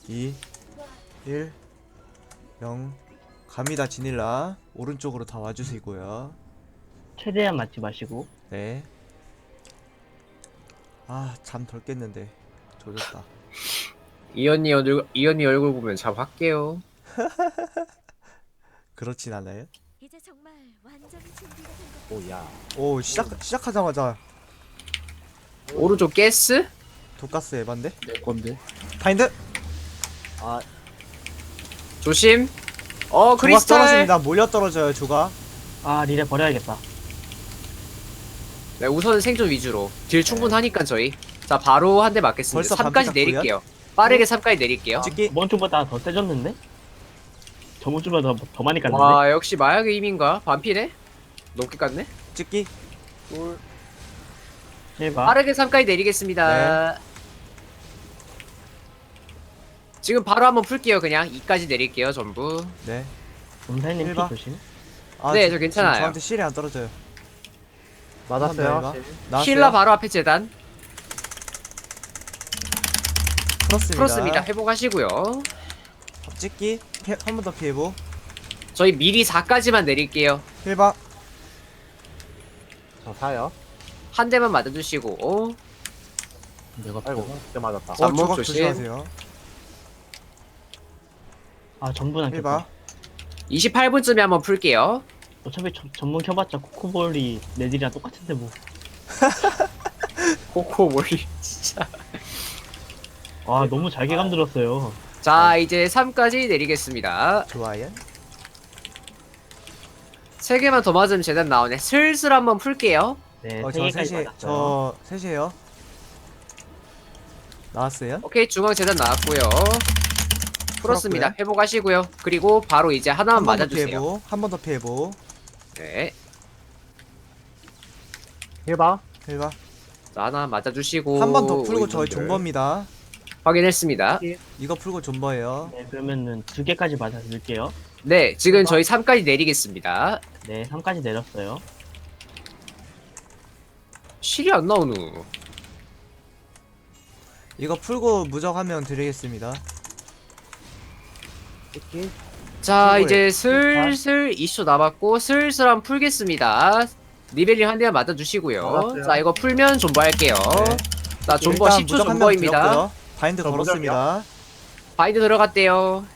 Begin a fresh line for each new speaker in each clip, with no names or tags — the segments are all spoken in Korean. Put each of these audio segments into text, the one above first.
2 1 0 갑니다. 지닐라 오른쪽으로 다 와주시고요.
최대한 맞지 마시고.
네. 아, 잠 덜 깼는데 조졌다.
이언니 얼굴 보면 잠 확 깨요.
그렇진 않아요?
이제 정말 완전히 준비가 된 것.
오야.
오, 시작하자마자
오른쪽 가스?
독가스 에반데?
내 건데.
바인드!
아,
조심.
조각
크리스탈.
떨어집니다. 몰려 떨어져요, 조각.
아, 리레 버려야겠다.
네, 우선 생존 위주로. 딜 충분하니까 저희. 자, 바로 한 대 맞겠습니다.
벌써
3까지
반피
내릴게요. 빠르게 3까지 내릴게요.
찍기.
저번 주보다 더 세졌는데? 저번 주보다 더 많이 깠는데?
와, 역시 마약의 힘인가? 반피네? 높게 깠네?
찍기.
꿀.
제발.
빠르게 3까지 내리겠습니다. 지금 바로 한번 풀게요. 그냥 2까지 내릴게요. 전부.
네.
검사님 피
일바.
조심.
아,
네,
지-
저 괜찮아요.
지금 저한테 실이 안 떨어져요.
맞았어요.
한번 더 나왔어요.
힐라 바로 앞에 재단.
풀었습니다.
풀었습니다. 회복하시고요.
찍기. 한 번 더 피해보.
저희 미리 4까지만 내릴게요.
힐바.
저 사요.
한 대만 맞아주시고.
내가 아이고, 그때 맞았다.
잠복
조각
조심.
조심하세요.
아, 전분 안
힐바.
켰다.
28분쯤에 한번 풀게요.
어차피 전문 켜봤자 코코볼이 내들이랑 똑같은데 뭐.
코코 몰리 진짜.
아, 너무 잘게 감들었어요.
자, 이제 3까지 내리겠습니다.
좋아요.
3개만 더 맞으면 재단 나오네. 슬슬 한번 풀게요.
네,
저
3개까지
셋이,
맞았어요.
저 셋이에요. 나왔어요?
오케이, 중앙 재단 나왔고요. 풀었습니다.
풀었고요.
회복하시고요. 그리고 바로 이제 하나만
한 번 더
맞아주세요.
피해보. 한 번 더 피해보.
네.
해봐.
힐바.
자, 하나 맞아주시고.
한 번 더 풀고
우리
저희
분들.
존버입니다.
확인했습니다.
이거 풀고 존버예요.
네, 그러면은 2개까지 맞아줄게요.
네, 지금 저희 3까지 내리겠습니다.
네, 3까지 내렸어요.
실이 안 나오누.
이거 풀고 무적 한 명 드리겠습니다.
찍기.
자,
풀고요.
이제 슬슬 2초 남았고 슬슬 한번 풀겠습니다. 리벨링 한 대만 맞아주시고요.
맞았어요.
자, 이거 풀면 존버할게요.
네.
자, 존버
일단
10초
무적 한명
존버입니다.
드렸고요. 바인드
저
걸었습니다.
바인드 들어갔대요.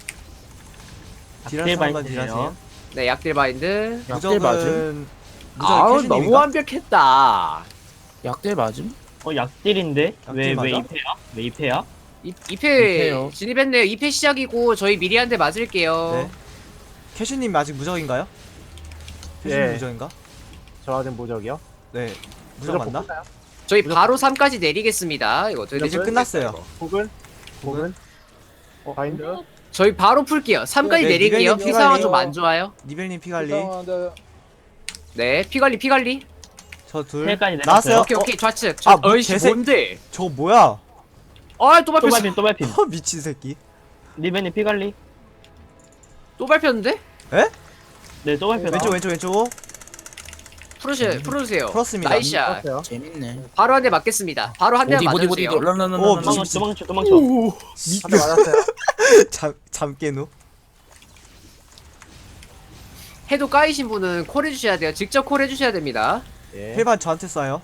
딜할 사람만 딜하세요.
네, 약딜 바인드.
약딜 맞음?
무적은
아우,
캐시님인가?
너무 완벽했다.
약대 맞음?
약딜인데? 왜
맞아?
2패야? 왜 2패야?
2패
이패요.
진입했네요. 2패 시작이고 저희 미리 한 대 맞을게요.
네. 캐시님 아직 무적인가요? 캐시님
예.
무적인가?
저 아직 무적이요?
네. 무적 맞나?
뽑나요?
저희 바로 3까지 내리겠습니다. 이거 어떻게
이제
되지?
끝났어요.
혹은? 혹은? 바인드?
저희 바로 풀게요. 3까지
네,
내릴게요.
리벨님
피 상황
피관리.
좀 안 좋아요.
니벨님 피관리.
네, 피관리.
저 둘.
3까지 내렸어요.
나왔어요?
오케이, 좌측.
아,
어이씨,
개새-
뭔데?
저거 뭐야?
아, 또
또
밟혔어.
밟힘, 또 밟힘.
허, 미친 새끼.
리벤님 피관리.
또 밟혔는데?
네, 또 밟혔다.
왼쪽.
풀어주세요.
풀었습니다.
나이스샷.
떴어요.
재밌네.
바로 한 대 맞겠습니다. 바로 한 대만 맞아주세요.
오,
도망쳐.
한 대 맞았어요.
잠 깨누.
해도 까이신 분은 콜 해주셔야 돼요. 직접 콜 해주셔야 됩니다.
예.
힐반 저한테 쏴요.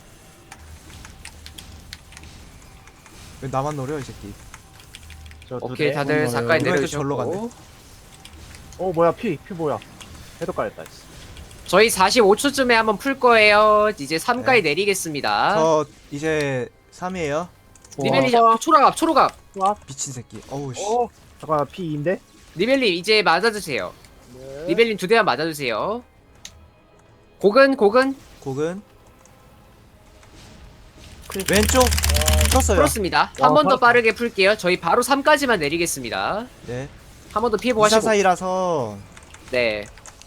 왜 나만 노려 이 새끼.
저 두
오케이,
대.
다들
오늘
가까이
이번에도 절로
내려주셨고.
뭐야, 피 뭐야. 해도 깔렸다.
저희 45초쯤에 한번 풀 거예요. 이제 3까지
네.
내리겠습니다.
저 이제 3이에요.
리벨리 초록압.
미친 새끼. 어우 씨.
잠깐만, 피인데?
리벨리 이제 맞아주세요.
네.
리벨님 2대만 맞아주세요. 곡은
곡은 왼쪽 쳤어요.
풀었습니다. 한 번 더 빠르게 풀게요. 저희 바로 3까지만 내리겠습니다.
네.
한 번 더 피해보고 하시고.
244이라서
네.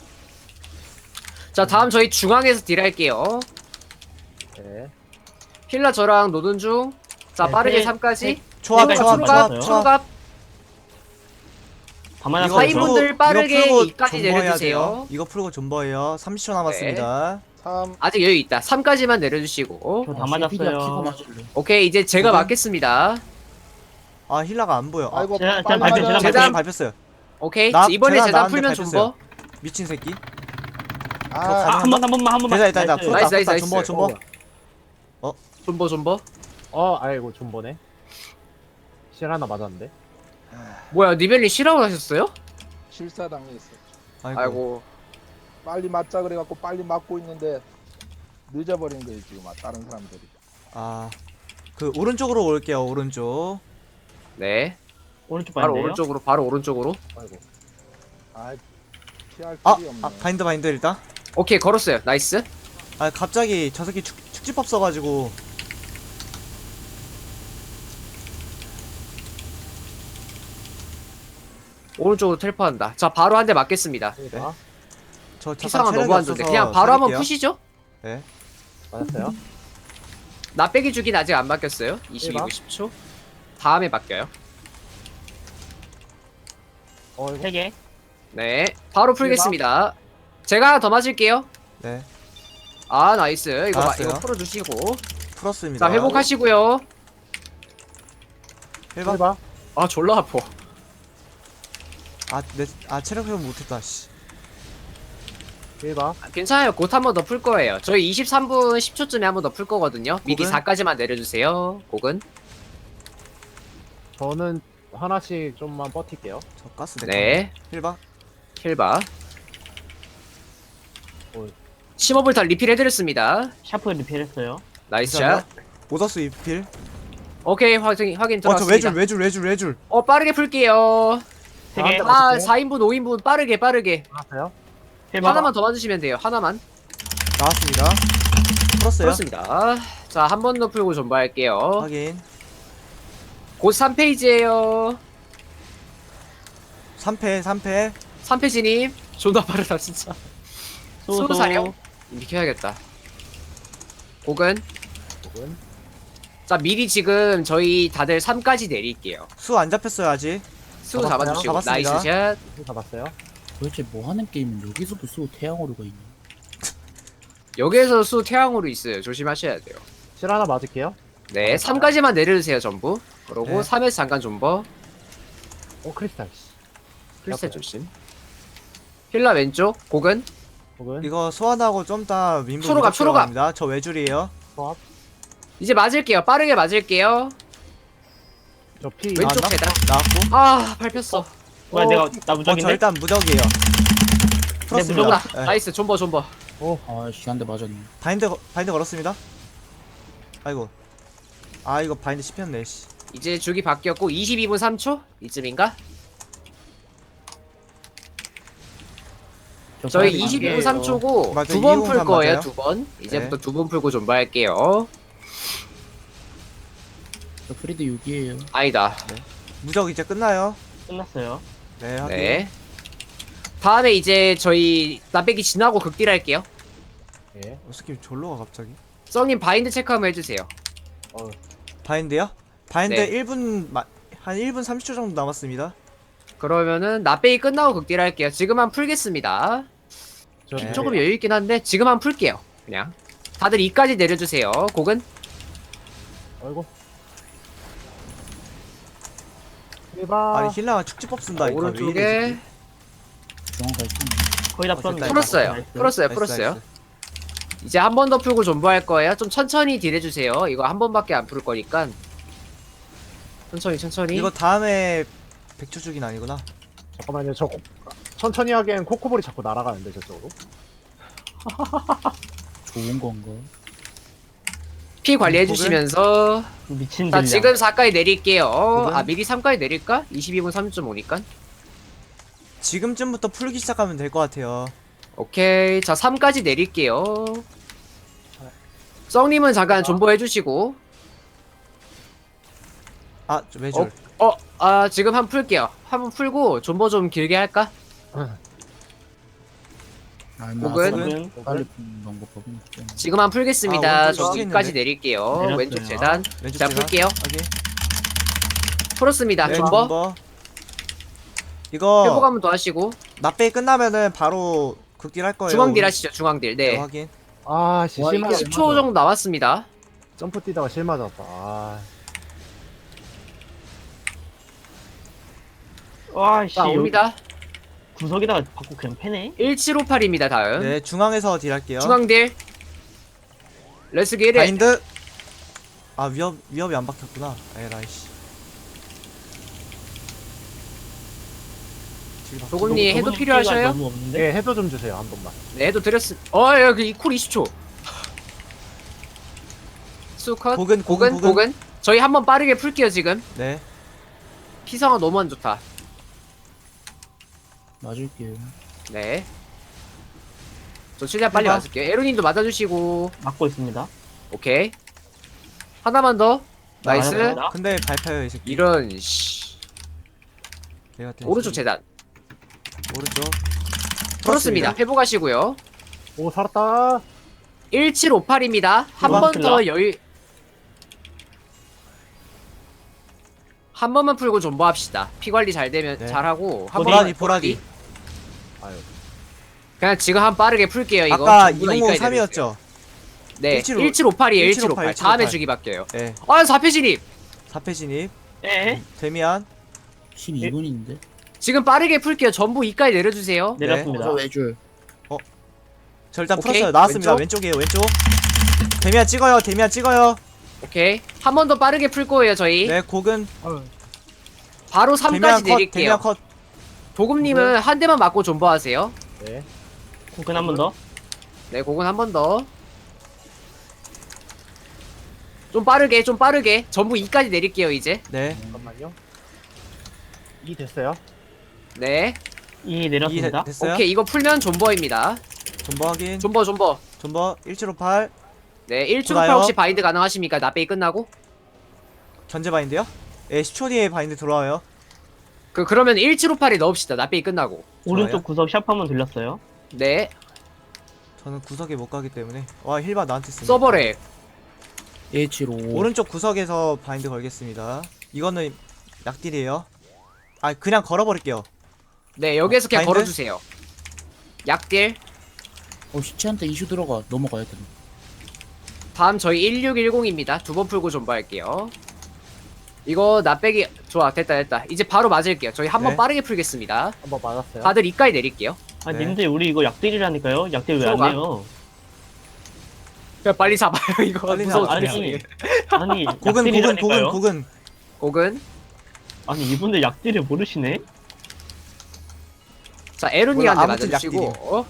자, 다음 저희 중앙에서 딜할게요.
네.
힐라 저랑 노는 중. 자,
네,
빠르게
네.
3까지.
초합
네,
초합
맞았어요.
초합 초합.
초록압.
다
이거
맞았어요.
사인분들 빠르게
풀고
2까지
존버해야
내려주세요.
돼요. 이거 풀고 존버예요. 30초 남았습니다.
3.
아직 여유 있다. 3까지만 내려주시고.
저다 맞았어요.
키고 맞을래.
오케이, 이제 제가
오케이.
맞겠습니다.
아 힐라가 안 보여. 아,
아이고
재단,
빨리
재단,
맞아야
재단
돼.
재단.
밟혔어요.
오케이.
나-
이번에
재단
재단
나한테
풀면
밟혔어요.
존버.
미친 새끼.
아,
한 번만.
대다 있다
나이스.
풀었다
나이스,
풀었다.
나이스,
존버
나이스.
존버.
존버.
아이고 존버네. 실 하나 맞았는데.
뭐야, 니벨리 실화로 하셨어요?
실사당했어.
아이고.
빨리 맞자 그래갖고 빨리 맞고 있는데 늦어버린 거예요 지금 다른 사람들이.
그 오른쪽으로 올게요. 오른쪽.
네.
오른쪽
바로
반대요.
오른쪽으로, 바로 오른쪽으로.
아이고.
아, 피할
아,
길이 없네.
바인드 일단.
오케이, 걸었어요. 나이스.
아 갑자기 저 새끼 축지법 써가지고.
오른쪽으로 텔포한다. 자, 바로 한 대 맞겠습니다.
힐바
저
피상은
잠깐
너무 안 좋네. 그냥 바로 한번 푸시죠.
네.
맞았어요.
나 빼기 주긴 아직 안 바뀌었어요. 22분 10초. 다음에 바뀌어요.
이거
3개.
네. 바로 풀겠습니다. 제가 하나 더 맞을게요.
네.
아, 나이스. 이거
알았어요.
이거 풀어주시고.
풀었습니다.
자, 회복하시고요.
힐바.
힐바
아, 졸라 아파.
체력 회복 못했다. 씨.
힐바
아, 괜찮아요. 곧 한 번 더 풀 거예요. 저희 23분 10초쯤에 한 번 더 풀 거거든요. 미리
곡은?
4까지만 내려주세요. 곡은.
저는 하나씩 좀만 버틸게요.
저 가스
네.
힐바.
힐바.
어이.
15불 다 리필 해드렸습니다.
샤프 리필했어요.
나이스 샷.
감사합니다. 오더스 입필.
오케이, 확인
저
들어왔습니다.
외줄.
빠르게 풀게요.
3개.
아, 4인분, 5인분 빠르게.
맞았어요?
하나만 더 맞으시면 돼요. 하나만.
나왔습니다. 풀었어요.
그렇습니다. 자, 한 번 더 풀고 존버할게요.
확인.
곧 3페이지에요.
3패.
3페이지님. 존나 빠르다, 진짜. 수호 사령. 이렇게 해야겠다. 곡은.
혹은
자, 미리 지금 저희 다들 3까지 내릴게요.
수 안 잡혔어요 아직.
수호
잡았어요?
잡아주시고.
잡았습니다.
나이스 샷.
힐 잡았어요.
도대체 뭐 하는 게임은 여기서도 쓰고 태양오류가 있네.
여기에서 수 태양으로 있어요. 조심하셔야 돼요.
실 하나 맞을게요.
네, 3까지만 내려주세요, 전부. 그러고
네.
3에서 잠깐 존버.
크리스탈 씨.
필살
옆에.
조심. 힐라 왼쪽. 곡은.
혹은
이거 소환하고 좀 더 민부
초록압, 초록압.
입니다. 저 외줄이에요.
소압.
이제 맞을게요. 빠르게 맞을게요.
저피
왼쪽
나왔나?
계단.
나왔고.
아, 밟혔어.
뭐야 내가 나
저
무적인데?
일단 무적이에요. 풀었습니다.
무적.
네.
나이스. 존버.
아씨 한 대 맞았네.
바인드 걸었습니다. 아이고. 이거 바인드 씹혔네. 씨.
이제 주기 바뀌었고 22분 3초 이쯤인가? 저희 22분 3초고
맞아,
두 번
2분
풀
3
거예요.
맞아요.
두 번. 이제부터
네.
두 번 풀고 존버할게요.
저 프리드 6이에요.
아니다.
무적 이제 끝나요.
끝났어요.
네. 확인.
네. 다음에 이제 저희 나빼기 지나고 극딜 할게요.
예.
스킵 졸로가 갑자기.
썩님 바인드 체크 한번 해주세요.
바인드요? 바인드
네.
1분 한 1분 30초 정도 남았습니다.
그러면은 나빼기 끝나고 극딜 할게요. 지금 한 풀겠습니다.
저
네.
조금 여유 있긴 한데 지금 한 풀게요. 그냥. 다들 2까지 내려주세요. 곡은.
아이고. 힐바.
아니 힐라가 축지법 쓴다. 이거 왜 이래,
오른쪽에
이
정확하게
거의 다
됐다,
풀었네.
풀었어요.
나이스.
풀었어요.
새끼.
풀었어요.
나이스.
이제 한 번 더 풀고 존버할 거예요. 좀 천천히 딜해주세요. 이거 한 번밖에 안 풀 거니까. 천천히.
이거 다음에 100초 주긴 아니구나.
잠깐만요. 천천히 하기엔 코코볼이 자꾸 날아가는데 저쪽으로.
좋은 건가?
피 관리해 주시면서.
미친
자,
딜량.
지금 4까지 내릴게요.
곡은?
아, 미리 3까지 내릴까? 22분 3.5니까.
지금쯤부터 풀기 시작하면 될 것 같아요.
오케이. 자, 3까지 내릴게요. 썩님은 잠깐 존버해 주시고.
저 외줄.
지금 한 번 풀게요. 한 번 풀고 존버 좀 길게 할까? 곡은?
곡은 빨리 푸는 방법은 없죠.
지금 한 풀겠습니다.
오른쪽
저
썩이는데?
2까지 내릴게요.
내렸어요.
왼쪽 재단.
왼쪽
자,
제가.
풀게요.
확인.
풀었습니다.
네,
존버.
이거
회복 한 번 더 하시고.
납배 끝나면은 바로 극딜 할 거예요.
중앙딜
우리.
하시죠. 중앙딜.
네,
네.
확인.
씨.
와,
실 맞았.
10초 정도 남았습니다.
점프 뛰다가 실 맞았다.
와씨
자 옵니다.
구석에다가 받고 그냥 패네.
1758입니다 다음.
네, 중앙에서 딜할게요.
중앙딜. 레스 기릿.
바인드. 아, 위협이 안 박혔구나. 에라이씨.
도금님 해도 필요하셔요?
너무 없는데.
예, 해도 좀 주세요 한 번만.
네 해도 드렸음. 여기 쿨 20초. 수컷.
고근.
고근. 저희 한번 빠르게 풀게요 지금.
네.
피상화 너무 안 좋다.
맞을게요.
네. 저 최대한 빨리
해봐.
맞을게요. 에로님도 맞아주시고.
막고 있습니다.
오케이. 하나만 더. 나이스.
맞았습니다.
근데 밟혀요, 이 새끼.
이런 씨.
걔 같은
오른쪽
새끼.
재단.
오른쪽.
풀었습니다. 회복하시고요.
오 살았다.
1758입니다. 한
해봐.
번 더 여유. 한 번만 풀고 존버합시다. 피 관리 잘 되면
네.
잘하고. 한
보라디,
번만
보라디.
아유.
그냥 지금 한 빠르게 풀게요. 이거.
아까
전부 다 이까지
2053이었죠?
네.
1758,
1758이에요. 1758. 다음에
1758.
주기 바뀌어요.
네.
4패 진입.
4패 진입.
에?
데미안.
12분인데.
지금 빠르게 풀게요. 전부 2까지 내려주세요.
내렸습니다.
저 외줄.
저 일단
오케이.
풀었어요. 나왔습니다.
왼쪽.
왼쪽이에요, 왼쪽. 데미안 찍어요.
오케이. 한 번 더 빠르게 풀 거예요, 저희.
네, 고근.
바로
데미안
3까지
컷, 데미안
내릴게요.
컷.
도금님은 한 대만 맞고 존버하세요.
네.
코근 한 번 더.
네, 그건 한 번 더. 좀 빠르게. 전부 2까지 내릴게요, 이제.
네.
잠깐만요. 이 됐어요.
네.
이 내렸습니다.
됐어요?
오케이, 이거 풀면 존버입니다.
존버 확인.
존버.
존버 1758.
네, 1초
좋아요.
혹시 바인드 가능하십니까? 나베이 끝나고?
견제 바인드요? 예, 10초 뒤에 바인드 들어와요.
그러면 1758에 넣읍시다. 나베이 끝나고.
오른쪽 구석 샵 한 번 돌렸어요.
네.
저는 구석에 못 가기 때문에. 와, 힐바 나한테 쓰네.
서버렉.
175.
오른쪽 구석에서 바인드 걸겠습니다. 이거는 약딜이에요. 아, 그냥 걸어버릴게요.
네, 여기에서 그냥
바인드?
걸어주세요. 약딜.
시체한테 이슈 들어가. 넘어가야 돼.
다음 저희 1610입니다. 두 번 풀고 존버할게요. 이거 나빼기 좋아. 됐다. 이제 바로 맞을게요. 저희 한번
네.
빠르게 풀겠습니다.
한번 맞았어요.
다들 이까지 내릴게요.
아
네.
님들 우리 이거 약딜이라니까요. 약딜 왜 안
들어가.
내요?
그냥 빨리 잡아요. 이거
빨리
무서워
잡아.
죽겠어요.
아니
고근.
약딜이라니까요.
고근.
아니 이분들 약딜을 모르시네.
자, 에루니한테
몰라, 아무튼
맞아주시고.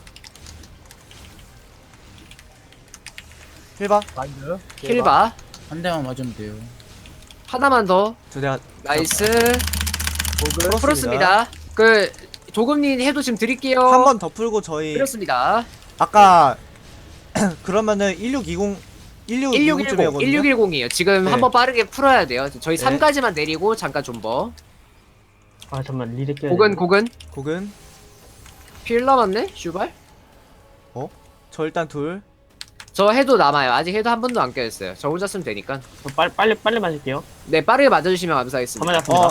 힐바.
바인드.
킬바.
한 대만 맞으면 돼요.
하나만 더.
저 내가
나이스.
풀었습니다.
풀었습니다. 조금님 해도 지금 드릴게요.
한 번 더 풀고 저희
풀었습니다.
아까 그러면은 1620쯤이거든요.
1610이에요. 지금
네.
한번 빠르게 풀어야 돼요. 저희
네.
3까지만 내리고 잠깐 존버.
아 잠만 리렉 껴야
고근.
고근.
필 남았네? 슈발?
저 일단 둘.
저 해도 남아요. 아직 해도 한 번도 안 껴있어요. 저 혼자 쓰면 되니까.
빨리 맞을게요.
네, 빠르게 맞아주시면 감사하겠습니다.
다 맞았습니다.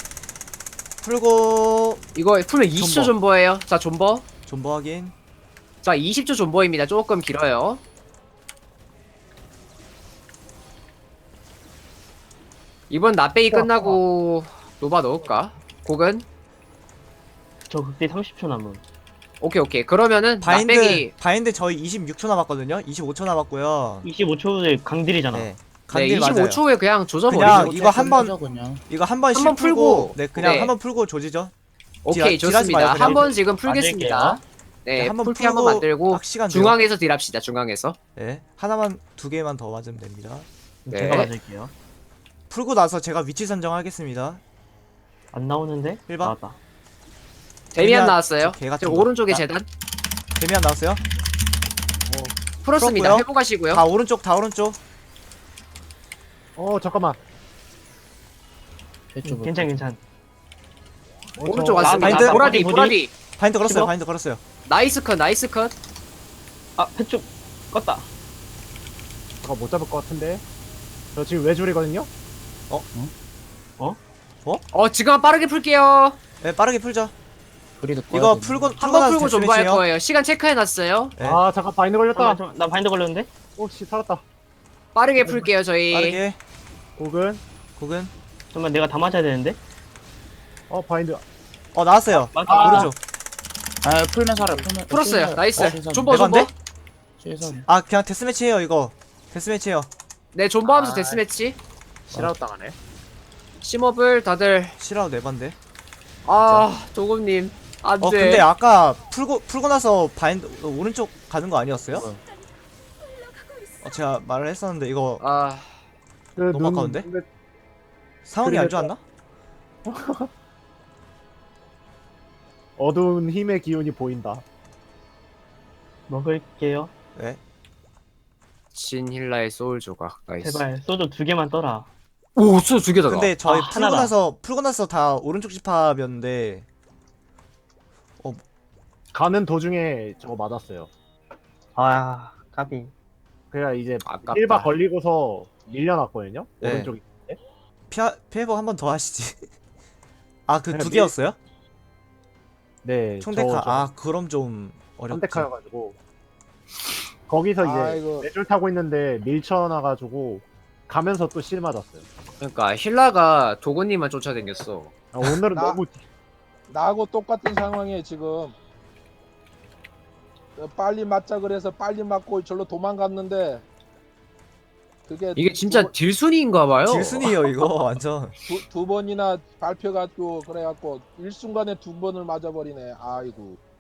풀고
이거 풀면 20초
존버.
존버예요. 자, 존버.
존버 확인.
자, 20초 존버입니다. 조금 길어요. 이번 나빼기 끝나고 노바 넣을까? 고근?
저 극딜 30초 남은.
오케이. 그러면은 나빼기
바인드 저희 26초 남았거든요. 25초 남았고요.
25초에 강딜이잖아.
네.
네,
간딜 맞아요.
25초에 그냥 조져버리죠.
그냥 이거 한 번-
하자, 그냥.
이거 한 번
한번
풀고
풀고.
네, 그냥
네.
한 번 풀고 조지죠.
오케이,
딜하지 마요,
좋습니다.
그냥.
한 번 지금 풀겠습니다. 네,
한번
풀피 한번
풀고
만들고
딱 시간 돼요.
중앙에서 딜합시다. 중앙에서.
네. 하나만 두 개만 더 맞으면 됩니다.
네.
제가 맞을게요.
풀고 나서 제가 위치 선정하겠습니다.
안 나오는데?
일반?
나왔다.
데미안 나왔어요.
저 개같은
지금
거.
오른쪽에
아,
재단
데미안 나왔어요?
풀었습니다.
풀었고요.
회복하시고요.
다 오른쪽.
잠깐만.
해줘.
괜찮.
오른쪽
저-
왔습니다.
바인드?
보라디.
바인드 걸었어요.
씹어?
바인드 걸었어요.
나이스 컷.
아 패쪽 껐다.
잠깐 못 잡을 것 같은데. 저 지금 외줄이거든요.
지금 빠르게 풀게요.
네, 빠르게 풀죠.
그래도
이거 풀고
한 번 풀고
대충
존버할
해주세요.
거예요. 시간 체크해놨어요.
네.
잠깐 바인드 걸렸다.
잠깐만, 나 바인드 걸렸는데?
오씨 살았다.
빠르게 풀게요, 저희.
빠르게.
고근.
고근.
잠깐만 내가 다 맞아야 되는데?
바인드.
나왔어요.
맞아.
오른쪽.
아 풀면 살아 풀면.
풀었어요. 나이스. 존버
내건데?
존버.
최선.
아 그냥 데스매치해요 이거. 데스매치해요.
네 존버하면서
아.
데스매치.
실아웃 당하네.
심업을 다들
싫어 내반데.
아 도금님 안돼.
근데 아까 풀고 나서 바인드 오른쪽 가는 거 아니었어요? 제가 말을 했었는데 이거
아
그
너무 아까운데?
근데
상황이 안
그래도-
좋았나?
어두운 힘의 기운이 보인다.
먹을게요.
네.
진힐라의 소울 조각. 나이스.
제발 소주 2개만 떠라.
오 소울 두 개다.
근데 저희
아, 하나다.
풀고 나서 다 오른쪽 집합이었는데
가는 도중에 저거 맞았어요.
아 까비.
그래야 이제
아깝다.
1바 걸리고서 밀려났거든요.
네.
오른쪽이.
피해복 한 번 더 하시지. 아 그
그냥
두 개였어요?
네.
총대카. 그럼 좀 어렵죠.
선택하여가지고 거기서 이제
아이고.
뇌줄 타고 있는데 밀쳐놔가지고 가면서 또 실 맞았어요.
그러니까 힐라가 도금님만 쫓아다녔어.
오늘은
나-
너무
나하고 똑같은 상황이에요 지금. 빨리 맞자 그래서 빨리 맞고 절로 도망갔는데 그게
이게 진짜 딜순이인가봐요.
질순이에요 이거 완전.
두 번이나 밟혀가지고 그래갖고 일순간에 두 번을 맞아버리네. 아이고.